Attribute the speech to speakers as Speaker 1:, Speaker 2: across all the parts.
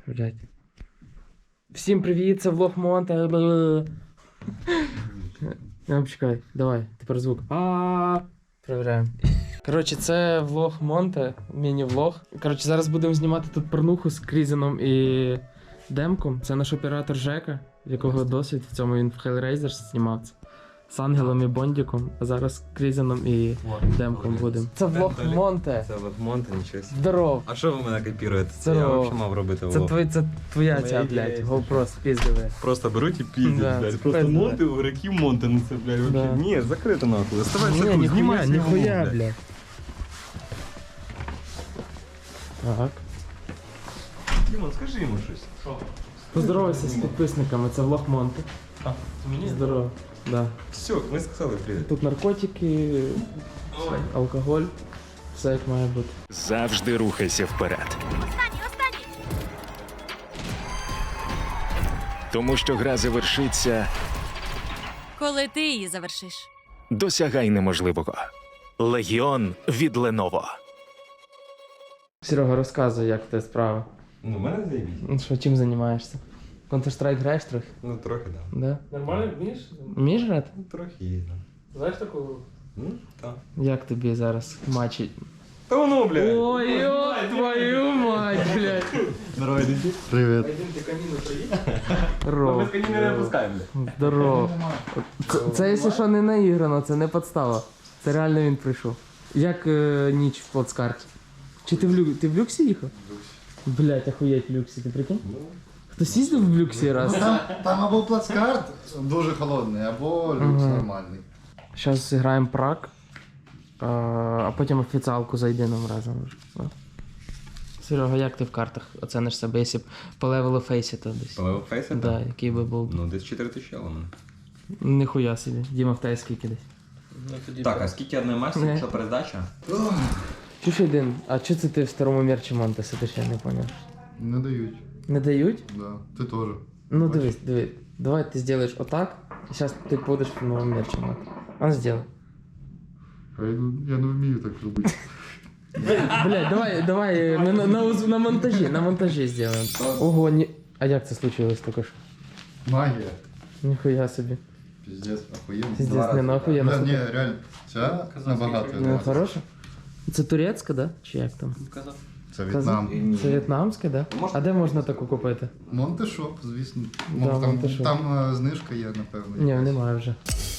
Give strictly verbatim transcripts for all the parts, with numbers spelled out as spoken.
Speaker 1: Блять. Всім привіт, це влог Монте. Я чекай, давай, тепер звук. А Перевіряємо. Коротше, це влог Монте, міні-влог. Коротше, зараз будемо знімати тут порнуху з Крізеном і Демком. Це наш оператор Жека, в якого досвід в цьому він в Hellraiser знімав це. З Ангелом і Бондіком, а зараз з Крізеном і Демком будемо. Це влог Монте.
Speaker 2: Це влог Монте, нічого собі.
Speaker 1: Здоров.
Speaker 2: А що ви мене копіруєте? Це
Speaker 1: Здоров.
Speaker 2: я взагалі мав робити
Speaker 1: Це,
Speaker 2: влог.
Speaker 1: твій, це твоя ця, блядь, GoPro спіздиве.
Speaker 2: Просто беруть і піздять,
Speaker 1: Да,
Speaker 2: блядь.
Speaker 1: це
Speaker 2: Просто
Speaker 1: пизда.
Speaker 2: Монте, у греків Монте, ну це, блядь, вообще.
Speaker 1: Да.
Speaker 2: Ні, закрито нахуй. Ставай
Speaker 1: Ні,
Speaker 2: секунду,
Speaker 1: ніхуя,
Speaker 2: знімай свій
Speaker 1: ніхуя,
Speaker 2: влог,
Speaker 1: блядь. Так.
Speaker 2: Дімон, скажи йому щось.
Speaker 1: Що? Поздоровайся з підписниками, це влог Монте.
Speaker 2: А, мені?
Speaker 1: Здорово. Да.
Speaker 2: Все, ми сказали привіт.
Speaker 1: Тут наркотики,
Speaker 2: Ой.
Speaker 1: алкоголь, все як має бути.
Speaker 3: Завжди рухайся вперед.
Speaker 4: Останній, останній!
Speaker 3: Тому що гра завершиться,
Speaker 4: Коли ти її завершиш.
Speaker 3: досягай неможливого. Легіон від Lenovo.
Speaker 1: Серега, розказуй, як в тебе справа.
Speaker 2: Ну, в мене заєбіть.
Speaker 1: Ну що, чим займаєшся? Counter-Strike граєш трохи?
Speaker 2: Ну, трохи, да.
Speaker 1: Да?
Speaker 5: Нормально вмієш?
Speaker 1: Вмієш грати?
Speaker 2: Ну, трохи є, да.
Speaker 5: Знаєш таку гру?
Speaker 2: Ну, так.
Speaker 1: Як тобі зараз матчі?
Speaker 2: Та воно, блядь.
Speaker 1: Ой, ой, твою мать, блядь.
Speaker 2: Здорово, діти.
Speaker 1: Привіт.
Speaker 5: Пойдемте каніну приїдь.
Speaker 1: Здорово.
Speaker 2: Без каніни не пускаємо, блядь.
Speaker 1: Здорово. Це, це, якщо що, не наіграно, це не підстава. Це реально він прийшов. Як е, ніч в плацкарті? Чи ти в, лю... ти в люксі їхав? В люксі. Блять, охуєть в люксі, ти прикинь? Хтось їздив в люксі раз?
Speaker 6: Там, там або плацкарт дуже холодний, або люкс
Speaker 1: Ага.
Speaker 6: нормальний.
Speaker 1: Зараз зіграємо прак, а, а потім офіціалку зайдемо разом. О. Серега, як ти в картах оцениш себе, якщо б по левелу фейсі то десь?
Speaker 2: По левел фейсі?
Speaker 1: Да, який би був.
Speaker 2: Ну, десь чотири тисячі у мене.
Speaker 1: Ніхуя собі. Діма, в тебе скільки десь?
Speaker 2: Так, а скільки одної масі,
Speaker 1: Не.
Speaker 2: що передача?
Speaker 1: Чуш один, а чого це ти в старому мерчі Монте сидиш, я не поняв.
Speaker 6: Не дають.
Speaker 1: Не дають?
Speaker 6: Да. Ти теж.
Speaker 1: Ну дивись, дивись. Давай ти зробиш отак, і зараз ти будеш в новому мерчі Монте. А ну зроби.
Speaker 6: А я, не- я не вмію так робити.
Speaker 1: Блядь, давай, давай, ми на, на, уз- на монтажі, на монтажі зробимо. Ого, ні... А як це случилось тільки що?
Speaker 6: Магія.
Speaker 1: Ніхуя собі.
Speaker 6: Піздець, охуєнно.
Speaker 1: Пиздец, не нахуй, я
Speaker 6: Да, ні,
Speaker 1: на
Speaker 6: реально. Ця набагато.
Speaker 1: Ну,
Speaker 6: я
Speaker 1: хороша? Це турецька, да? Чи як там?
Speaker 6: Це В'єтнам.
Speaker 1: Це в'єтнамська, да? А де можна таку купити?
Speaker 6: Монтешоп, звісно.
Speaker 1: Да,
Speaker 6: Мов, там,
Speaker 1: Монтешоп.
Speaker 6: там е, знижка є, напевно.
Speaker 1: Ні, немає вже.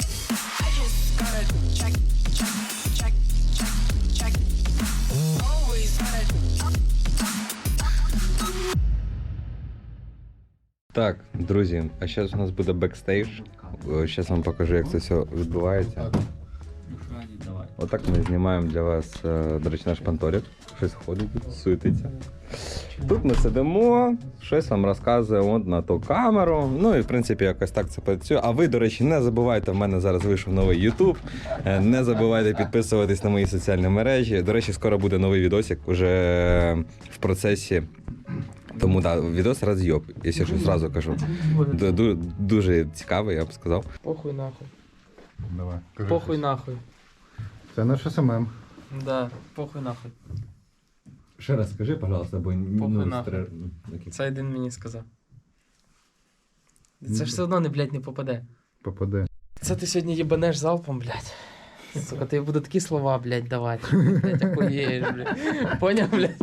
Speaker 2: Так, друзі, а зараз у нас буде бекстейдж. Зараз вам покажу, як це все відбувається.
Speaker 6: Так.
Speaker 2: Отак ми знімаємо для вас, е, до речі, наш панторик. Щось ходить тут, суетиться. Тут ми сидимо, щось вам розказує от на ту камеру. Ну і в принципі якось так це працює. А ви, до речі, не забувайте, в мене зараз вийшов новий YouTube. Е, Не забувайте підписуватись на мої соціальні мережі. До речі, скоро буде новий відосик уже в процесі. Тому так, да, відос роз'єб, якщо щось одразу кажу. Ду- ду- Дуже цікавий, я б сказав.
Speaker 1: Похуй нахуй.
Speaker 6: Давай. кажи
Speaker 1: Похуй
Speaker 6: щось.
Speaker 1: нахуй.
Speaker 6: Це наш СММ.
Speaker 1: Да, похуй нахуй.
Speaker 2: Ще раз скажи, пожалуйста, бо
Speaker 1: Похуй нахуй. Це один мені сказав. Це ж все одно не, блядь, не попаде.
Speaker 6: Попаде.
Speaker 1: Це ти сьогодні їбанеш залпом, блядь. Сука, ти буду такі слова, блядь, давати. Блядь, охуєш, блядь. Поняв, блядь?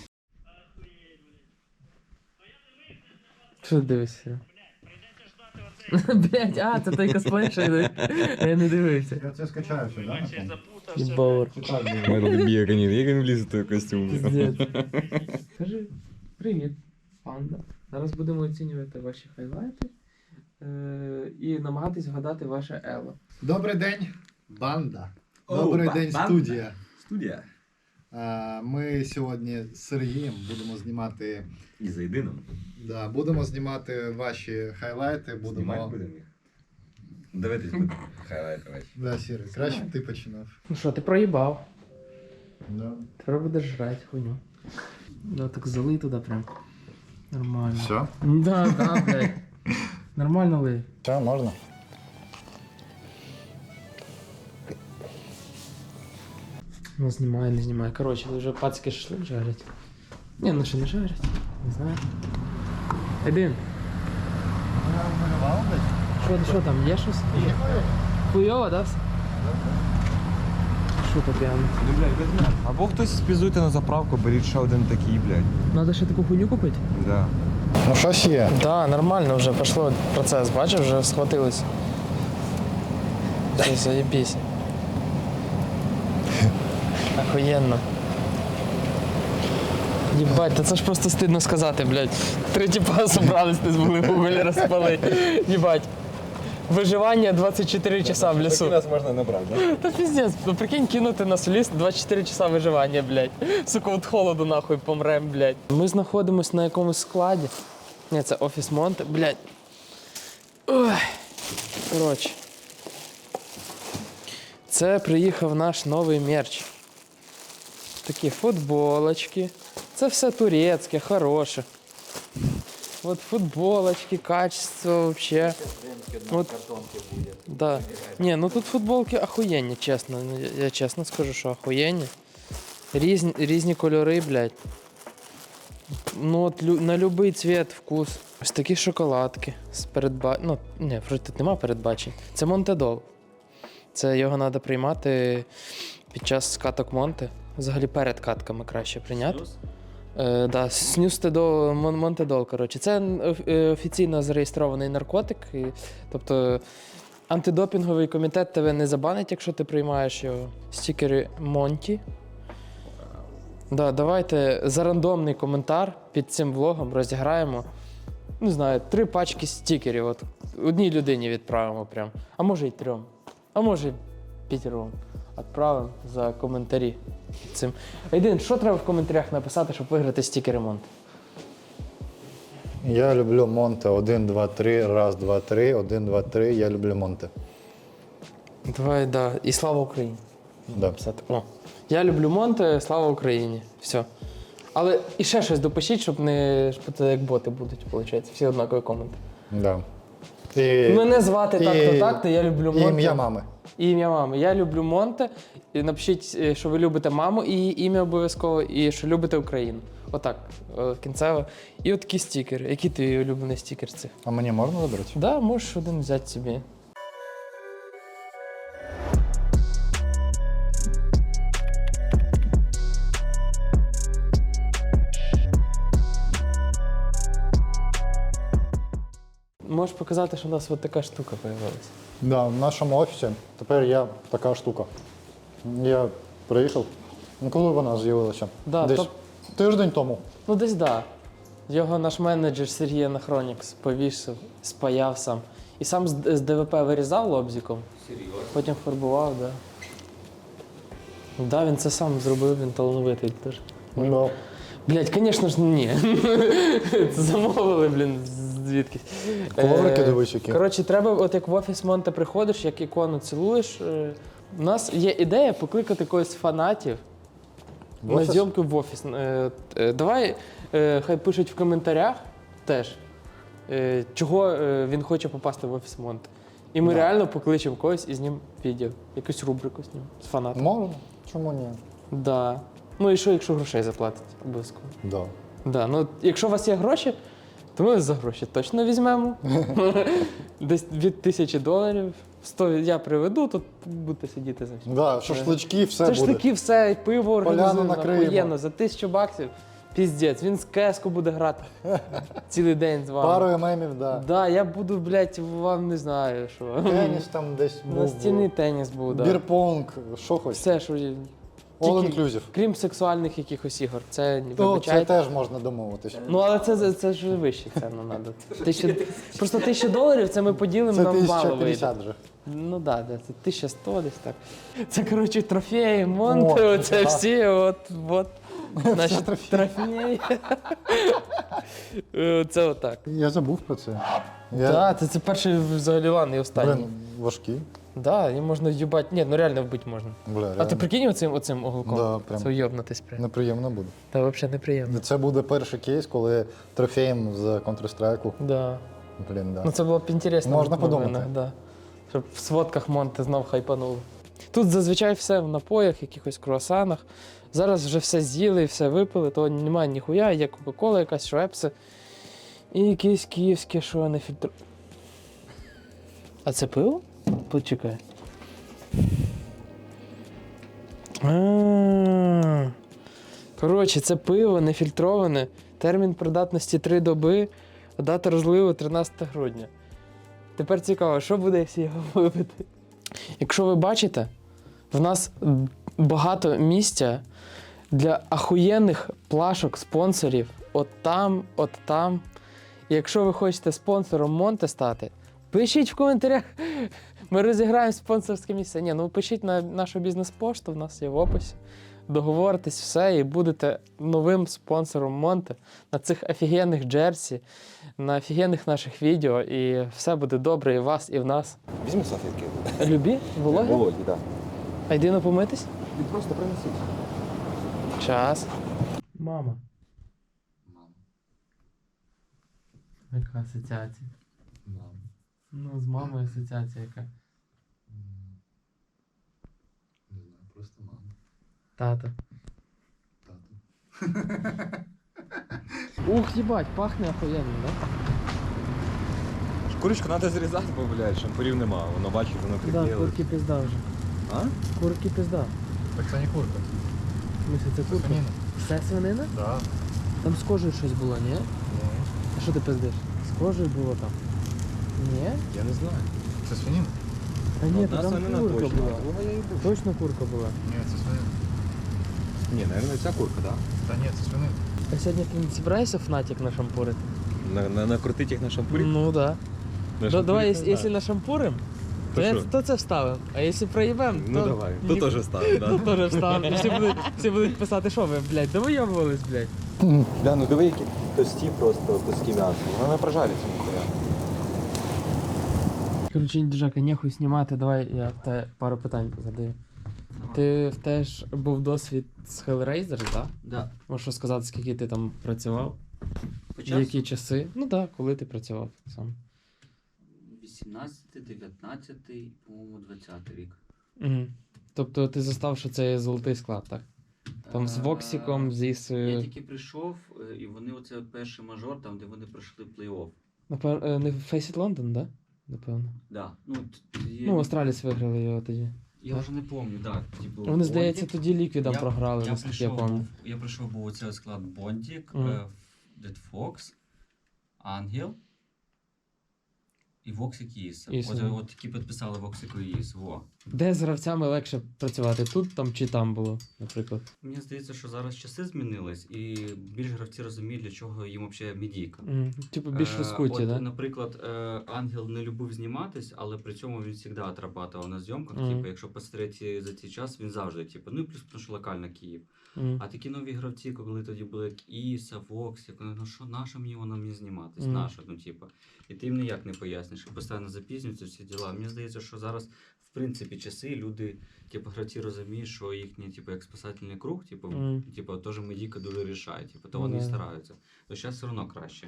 Speaker 1: Що ти дивишся? Блядь, а, це той косплей, що я я не дивився.
Speaker 6: Я це скачаю все, да?
Speaker 1: Єбавор.
Speaker 2: Ми тут бігані, як він вліз у той костюм.
Speaker 1: Пиздец. Скажи, привіт, панда. Зараз будемо оцінювати ваші хайлайти е- і намагатись вгадати ваше ело.
Speaker 6: Добрий день, банда.
Speaker 2: О,
Speaker 6: Добрий
Speaker 2: ба-
Speaker 6: день,
Speaker 2: банда.
Speaker 6: студія.
Speaker 2: Студія.
Speaker 6: А, Ми сьогодні з Сергієм будемо знімати.
Speaker 2: І за єдином.
Speaker 6: Да, будемо знімати ваші хайлайти, будемо.
Speaker 2: будемо їх. Дивитись будемо. Хайлайт ваші.
Speaker 6: Да, Сірий, краще б ти починав.
Speaker 1: Ну що, ти проїбав.
Speaker 6: Да.
Speaker 1: Тепер будеш жрати хуйню. Да, так залий туди прям. Нормально.
Speaker 6: Все?
Speaker 1: Да, да, блядь. Нормально лий.
Speaker 6: Все, можна.
Speaker 1: Ну знімай, не знімай. Коротше, вже пацьки шашлик жарять. Ні, ну ще не жарять. Не знаю. Один. Що, що там, є щось? Хуйово, да? все? Що таке?
Speaker 2: Або хтось спізуйте на заправку, беріть ще один такий, блядь.
Speaker 1: Надо ще таку хуйню купити?
Speaker 2: Да.
Speaker 6: Ну щось є.
Speaker 1: Да, нормально вже пішло процес, бачиш, вже схватились. Все, заєбісь. Охуєнно. Єбать, та це ж просто стидно сказати, блядь. Три тіпа зібрались, не змогли вуголь розпалити. Єбать. Виживання двадцять чотири часа в лісу.
Speaker 2: нас можна набрати, да?
Speaker 1: Та пиздец, ну прикинь, кинути нас в ліс двадцять чотири часа виживання, блядь. Сука, от холоду нахуй помрем, блядь. Ми знаходимося на якомусь складі. Ні, це офіс Монте, блядь. Ой. Коротше. Це приїхав наш новий мерч. Такі футболочки. Це все турецьке, хороше. От футболочки, качество вообще. Вот. Да. Не, ну тут футболки охуєнні, чесно. Ну, Я, я чесно скажу, що охуєнні. Різні, різні кольори, блядь. Ну от лю, на будь-який цвіт, вкус. Ось такі шоколадки з передба... Ну, ні, вроде тут нема передбачень. Це Монтедол. Це його треба приймати під час каток Монте. Взагалі перед катками краще прийняти. Е, да, снюстедол, мон, Монтедол, коротше. Це е, офіційно зареєстрований наркотик. І, тобто антидопінговий комітет тебе не забанить, якщо ти приймаєш його. Стікери Монті. Да, давайте за рандомний коментар під цим влогом розіграємо, не знаю, три пачки стікерів. От одній людині відправимо прям. А може й трьом. А може й п'ятіром. Відправимо за коментарі під цим. Айдин, що треба в коментарях написати, щоб виграти стікери Монте?
Speaker 6: Я люблю Монте. Один, два, три. Раз, два, три. Один, два, три. Я люблю Монте.
Speaker 1: Давай, да. І слава Україні.
Speaker 6: Да.
Speaker 1: Написати. О. Я люблю Монте, слава Україні. Все. Але і ще щось допишіть, щоб не щоб це як боти будуть, виходить. Всі однакові коменти.
Speaker 6: Да. І,
Speaker 1: Мене звати
Speaker 6: і-
Speaker 1: так-то так-то, я люблю
Speaker 6: і
Speaker 1: Монте.
Speaker 6: ім'я мами.
Speaker 1: І ім'я мами. Я люблю Монте. І напишіть, е, що ви любите маму і її ім'я обов'язково, і що любите Україну. Отак, е, кінцево. І от такі стікери. Який твій улюблений стікер з цих?
Speaker 6: А мені можна вибрати?
Speaker 1: Так, да, можеш один взяти собі. Можеш показати, що у нас от така штука з'явилася.
Speaker 6: Да, в нашому офісі тепер є така штука. Я приїхав. Ну коли вона з'явилася?
Speaker 1: Да,
Speaker 6: Десь
Speaker 1: топ-
Speaker 6: тиждень тому.
Speaker 1: Ну десь да. Його наш менеджер Сергій Анахронікс повісив, спаяв сам. І сам з, з ДВП вирізав лобзиком. Серйозно? Потім фарбував, да. Да, він це сам зробив, він талановитий теж.
Speaker 6: Ну,
Speaker 1: Блять, звісно ж, ні. Це замовили, блін, звідки.
Speaker 6: Коврики, дивись, які.
Speaker 1: Коротше, треба, от як в офіс Монте приходиш, як ікону цілуєш. е, У нас є ідея покликати когось з фанатів
Speaker 6: В
Speaker 1: на
Speaker 6: офіс?
Speaker 1: зйомки в офіс. Е, е, Давай, е, хай пишуть в коментарях теж, е, чого е, він хоче попасти в офіс Монте. І ми
Speaker 6: Да.
Speaker 1: реально покличемо когось і знімемо відео, якусь рубрику знімемо з фанатом.
Speaker 6: можна? Чому ні?
Speaker 1: Да. Ну і що, якщо грошей заплатить, обов'язково.
Speaker 6: Да.
Speaker 1: Да, ну якщо у вас є гроші, то ми за гроші точно візьмемо. Десь від тисячі доларів. сто я приведу, тут будете сидіти за всім.
Speaker 6: Да, шашлички, все
Speaker 1: Це ж
Speaker 6: буде.
Speaker 1: таки все, і пиво організуємо
Speaker 6: накриємо.
Speaker 1: охуєнно, за тисячу баксів. Піздець, він з кеску буде грати цілий день з вами.
Speaker 6: Парою мемів, да.
Speaker 1: Да, я буду, блядь, вам не знаю, що.
Speaker 6: Теніс там десь був.
Speaker 1: Настільний теніс був, да.
Speaker 6: Бірпонг, що хоч.
Speaker 1: Все, що є.
Speaker 6: All
Speaker 1: Тільки,
Speaker 6: inclusive.
Speaker 1: крім сексуальних якихось ігор. Це не
Speaker 6: Ну, це
Speaker 1: вибачайте.
Speaker 6: теж можна домовитись.
Speaker 1: Ну, але це, це, це ж вище ціну треба. Тисячу, просто тисячу доларів це ми поділимо,
Speaker 6: Це
Speaker 1: нам мало
Speaker 6: тисяча
Speaker 1: вийде.
Speaker 6: п'ятдесят вже.
Speaker 1: Ну так, да, да, це тисяча сто десь так. Це, коротше, трофеї, Монте,
Speaker 6: О,
Speaker 1: оце
Speaker 6: да.
Speaker 1: всі, от, от. Наші
Speaker 6: трофеї.
Speaker 1: трофеї. Е, Це отак.
Speaker 6: Я забув про це.
Speaker 1: Так, да, це, це перший взагалі лан і останній.
Speaker 6: Блин, важкі.
Speaker 1: Да, їм можна в'їбати. Ні, ну реально вбити можна.
Speaker 6: Бля,
Speaker 1: А ти
Speaker 6: реально.
Speaker 1: прикинь оцим, оцим оголком?
Speaker 6: Да, прям.
Speaker 1: Це уйобнутись прям.
Speaker 6: Неприємно буде.
Speaker 1: Та взагалі неприємно.
Speaker 6: Це буде перший кейс, коли трофеєм з Counter-Strike.
Speaker 1: Да.
Speaker 6: Блін, да.
Speaker 1: Ну це було б інтересно.
Speaker 6: Можна
Speaker 1: в новинах,
Speaker 6: подумати.
Speaker 1: Да. Щоб в сводках Монте знов хайпануло. Тут зазвичай все в напоях, якихось круасанах. Зараз вже все з'їли, все випили, то немає ніхуя, є Кока-Кола, якась швепси. І якесь київське, що не фільтр... А це пиво? Почекай. А. Коротше, це пиво нефільтроване, термін придатності три доби, а дата розливу тринадцяте грудня. Тепер цікаво, що буде, якщо його випити? Якщо ви бачите, в нас багато місця для ахуєнних плашок спонсорів. От там, от там. І якщо ви хочете спонсором Монте стати, пишіть в коментарях. Ми розіграємо спонсорське місце. Ні, ну пишіть на нашу бізнес-пошту, в нас є в описі. Договоритесь все і будете новим спонсором Монте на цих офігенних джерсі, на офігенних наших відео. І все буде добре і в вас, і в нас.
Speaker 2: Візьми салфетки.
Speaker 1: Любі? Вологі?
Speaker 2: Володі, так.
Speaker 1: А йди помитись?
Speaker 2: Він просто принесіть.
Speaker 1: Час. Мама.
Speaker 7: Мама.
Speaker 1: Яка асоціація?
Speaker 7: Мама.
Speaker 1: Ну, з мамою асоціація яка.
Speaker 7: Не знаю, просто мама.
Speaker 1: Тато.
Speaker 7: Тато.
Speaker 1: Ух, їбать, пахне охуєнно, да?
Speaker 2: Курочку треба зрізати, бо, блядь, шампурів нема. Воно бачиш, воно
Speaker 1: Да,
Speaker 2: прикрилось.
Speaker 1: курки пизда вже.
Speaker 2: А?
Speaker 1: Курки пизда.
Speaker 7: Так це не курка.
Speaker 1: В смысле, це курка?
Speaker 7: свинина.
Speaker 1: Все свинина?
Speaker 7: Да.
Speaker 1: Там з кожею щось було, ні? А що ти пиздиш? З кожею було там? Ні?
Speaker 2: Я не знаю.
Speaker 7: Це свинина?
Speaker 1: Та ні,
Speaker 2: Одна
Speaker 1: то там
Speaker 2: свинина
Speaker 1: курка
Speaker 2: точно.
Speaker 1: була.
Speaker 2: Того я і був.
Speaker 1: Точно курка була.
Speaker 7: Ні, це свинина.
Speaker 2: Ні, наверное, ця курка, так?
Speaker 7: Та ні, це свинина.
Speaker 1: А сьогодні ти не збираєшся Фнатик нашампурити?
Speaker 2: На, на, накрутить їх на шампурі?
Speaker 1: Ну да.
Speaker 2: На
Speaker 1: Да,
Speaker 2: шампурі
Speaker 1: давай,
Speaker 2: не
Speaker 1: якщо,
Speaker 2: знаю.
Speaker 1: якщо нашампурим,
Speaker 2: То
Speaker 1: то, я-
Speaker 2: що?
Speaker 1: то це вставимо. А якщо проїбемо, то...
Speaker 2: Ну давай,
Speaker 1: ні-
Speaker 2: то теж ставимо,
Speaker 1: То
Speaker 2: да?
Speaker 1: теж вставимо. І всі будуть, всі будуть писати, що ви, блядь, да вийобувались, блядь.
Speaker 2: Да, ну диви, які тості просто, куски м'яса. Вони прожаряться ніхуя.
Speaker 1: Короче, Джака, нехуй знімати, давай я в те пару питань задаю. Ти в теж був досвід з Hellraiser, так?
Speaker 8: Да.
Speaker 1: Можеш розказати, скільки ти там працював? В
Speaker 8: Почав
Speaker 1: які часи? Ну так, да, коли ти працював сам.
Speaker 8: вісімнадцятий, дев'ятнадцятий, по-моєму, двадцятий рік.
Speaker 1: Угу. Тобто ти застав, що це є золотий склад, так? Там з
Speaker 8: Е,
Speaker 1: Воксіком, з
Speaker 8: Я
Speaker 1: Ісою.
Speaker 8: тільки прийшов, е, і вони оце перший мажор, там, де вони пройшли плей-офф.
Speaker 1: Напевно, не Face It London, да? Напевно.
Speaker 8: Да. Ну, т- є-
Speaker 1: Ну, Астраліс виграли його тоді.
Speaker 8: Я вже не пам'ятаю, так. Типу,
Speaker 1: Вони, здається,
Speaker 8: Бондік.
Speaker 1: тоді ліквідом
Speaker 8: Я-
Speaker 1: програли,
Speaker 8: я
Speaker 1: наскільки я
Speaker 8: прийшов,
Speaker 1: пам'ятаю.
Speaker 8: був- Я прийшов, був оцей склад Бондік,
Speaker 1: Мгм.
Speaker 8: е, Дед Фокс, Ангел і Воксик і Іса.
Speaker 1: Іса,
Speaker 8: От,
Speaker 1: да.
Speaker 8: от які підписали Воксику і Іс. Во.
Speaker 1: Де з гравцями легше працювати? Тут там чи там було, наприклад?
Speaker 8: Мені здається, що зараз часи змінились, і більш гравці розуміють, для чого їм взагалі медійка.
Speaker 1: Мгм. Типу більш
Speaker 8: Е,
Speaker 1: розкуті,
Speaker 8: от,
Speaker 1: да?
Speaker 8: Наприклад, е, Ангел не любив зніматись, але при цьому він завжди отрабатував на зйомках.
Speaker 1: Мгм.
Speaker 8: Типу, якщо посмотрети за цей час, він завжди, типу, ну і плюс тому, що локально Київ.
Speaker 1: Мгм.
Speaker 8: А такі нові гравці, коли тоді були як Іса, Вокс, як вони, ну що, нащо мені воно мені зніматись?
Speaker 1: Мгм.
Speaker 8: Нащо? Ну, типу. І ти їм ніяк не поясниш, що постійно запізнюються всі діла. Мені здається, що зараз, в принципі, часи люди, типу, гравці розуміють, що їхній, типу, як спасательний круг, типу,
Speaker 1: Мгм.
Speaker 8: типу, теж медійка дуже рішає, типу, то
Speaker 1: Ну,
Speaker 8: вони і
Speaker 1: да.
Speaker 8: стараються. То зараз все одно краще.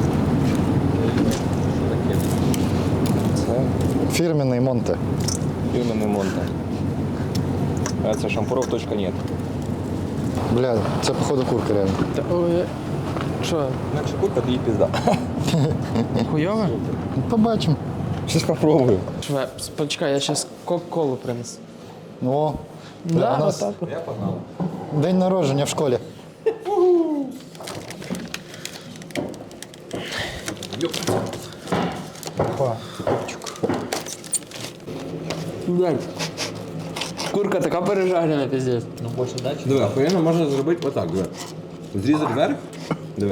Speaker 2: Це
Speaker 6: Фірменний Монте.
Speaker 2: фірменний Монте. А це шампуров точка нет.
Speaker 6: Бля, це походу курка реально.
Speaker 1: Та, ой, що,
Speaker 2: Інакше курка, то їй пізда.
Speaker 1: хуйове?
Speaker 6: Побачимо.
Speaker 2: Щось попробую.
Speaker 1: Швепс, почекай, я зараз кока-колу принесу.
Speaker 6: О, бля,
Speaker 1: Да,
Speaker 6: у нас
Speaker 1: отак от.
Speaker 2: Я погнав.
Speaker 6: день народження в школі. Опа.
Speaker 1: Блядь. Курка така пережарена, пиздец.
Speaker 2: Диви, охуєнно можна зробити отак, диви. Зрізати вверх. Диви.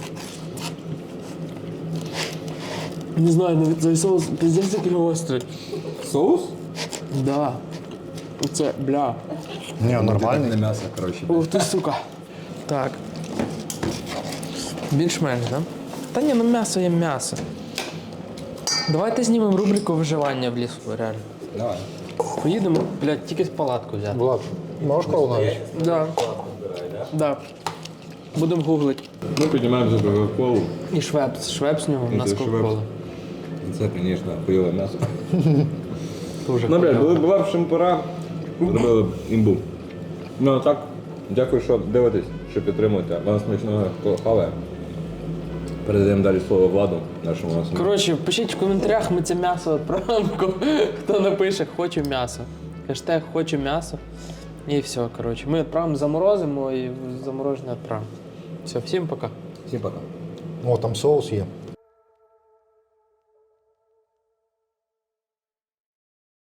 Speaker 1: Не знаю, навіть цей соус пиздец такий гострий.
Speaker 2: Соус?
Speaker 1: Да. Оце, бля.
Speaker 6: Ні,
Speaker 2: Не
Speaker 6: нормальний.
Speaker 2: м'ясо, коротше.
Speaker 1: Ух ти, сука. Так. Більш-менш, да? Та ні, ну м'ясо є м'ясо. Давайте знімемо рубрику виживання в лісу, реально.
Speaker 2: Давай.
Speaker 1: Поїдемо, блядь, тільки палатку взяти.
Speaker 6: Влад, можеш колу навіть?
Speaker 1: Да. Да. Будемо гуглити.
Speaker 2: Ми піднімаємо за Кока-Колу.
Speaker 1: І швепс. Швепс у нього, у
Speaker 2: Ну,
Speaker 1: нас
Speaker 2: це
Speaker 1: кока-кола.
Speaker 2: Це, звісно, хуйове м'ясо.
Speaker 1: Дуже
Speaker 2: Ну, блядь,
Speaker 1: хуйово.
Speaker 2: були була б шампура, зробили б імбу. Ну, а так, дякую, що дивитесь, що підтримуєте. Вам смачного хаває. Передаємо далі слово Владу, нашому нас.
Speaker 1: Коротше, пишіть в коментарях, ми це м'ясо відправимо. Хто напише «хочу м'ясо». Хештег «хочу м'ясо». І все, коротше. Ми відправимо, заморозимо і заморожене відправимо. Все, всім пока.
Speaker 2: Всім пока.
Speaker 6: О, там соус є.